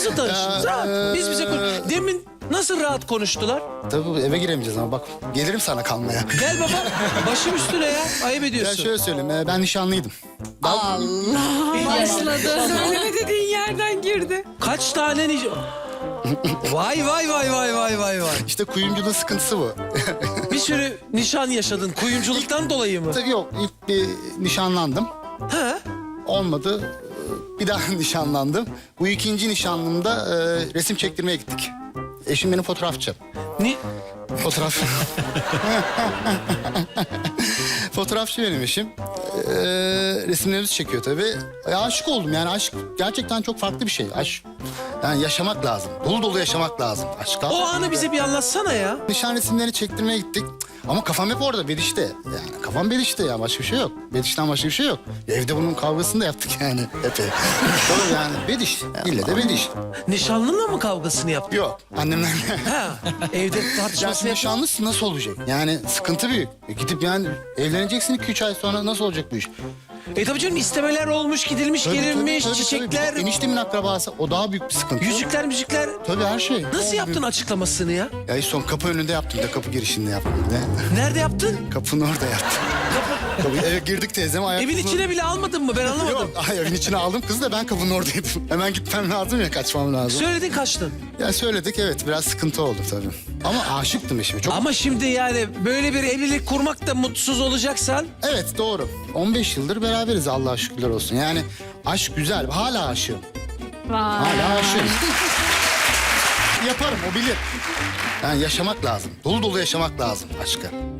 Nasıl tanıştınız? Rahat. Biz bize konuş. Demin nasıl rahat konuştular? Tabii eve giremeyeceğiz ama bak gelirim sana kalmaya. Gel baba. Başım üstüne ya. Ayıp Ya ediyorsun. şöyle söyleyeyim ben nişanlıydım. Başladı. Söyleme dediğin yerden girdi. Kaç tane Vay vay vay vay vay vay vay. İşte kuyumculuğun sıkıntısı bu. Bir sürü nişan yaşadın. Kuyumculuktan dolayı mı? Tabii yok ilk bir nişanlandım. Ha? Olmadı. Bir daha nişanlandım. Bu ikinci nişanlımda resim çektirmeye gittik. Eşim benim fotoğrafçı. Ni Fotoğraf. Fotoğrafçı benim eşim. Resimlerimizi çekiyor tabii. Aşık oldum yani aşk gerçekten çok farklı bir şey. Aşk yani yaşamak lazım. Dolu dolu yaşamak lazım. Aşk o anı bize bir anlatsana ya. Nişan resimlerini çektirmeye gittik. Ama kafam hep orada Bediş'te. Yani kafam Bediş'te ya başka bir şey yok. Bediş'ten başka bir şey yok. Evde bunun kavgasını da yaptık yani epey. Tabii yani Bediş. İlle de Bediş. Nişanlınla mı kavgasını yaptın? Yok annemlerle. Ha. Evde Ya tartışmasını şimdi yaptın. nişanlısı nasıl olacak? Yani sıkıntı büyük. Gidip yani evleneceksin 2-3 ay sonra nasıl olacak bu iş? Tabii canım istemeler olmuş, gidilmiş, Tabii, gelinmiş, tabii, tabii, çiçekler, tabii. Eniştemin akrabası o daha büyük bir sıkıntı. yüzükler, müzikler. Tabii her şey. Nasıl yaptın açıklamasını ya? Ya son kapı önünde yaptım da kapı girişinde yaptım bir de. Nerede yaptın? Kapının orada yaptım. Kapı, eve girdik teyzem ayak. Evin içine bile almadın mı? Ben anlamadım. Yok ay, evin içine aldım kızı da ben kapının oradaydım. Hemen gitmem lazım ya kaçmam lazım. Söyledin kaçtın. Ya söyledik evet biraz sıkıntı oldu tabii. Ama aşıktım eşime çok. Ama şimdi yani böyle bir evlilik kurmak da mutsuz olacaksan... Evet doğru. 15 yıldır beraberiz Allah'a şükürler olsun. Yani aşk güzel hala aşığım. Hala aşığım. Yaparım o bilir. Yani yaşamak lazım. Dolu dolu yaşamak lazım aşkı.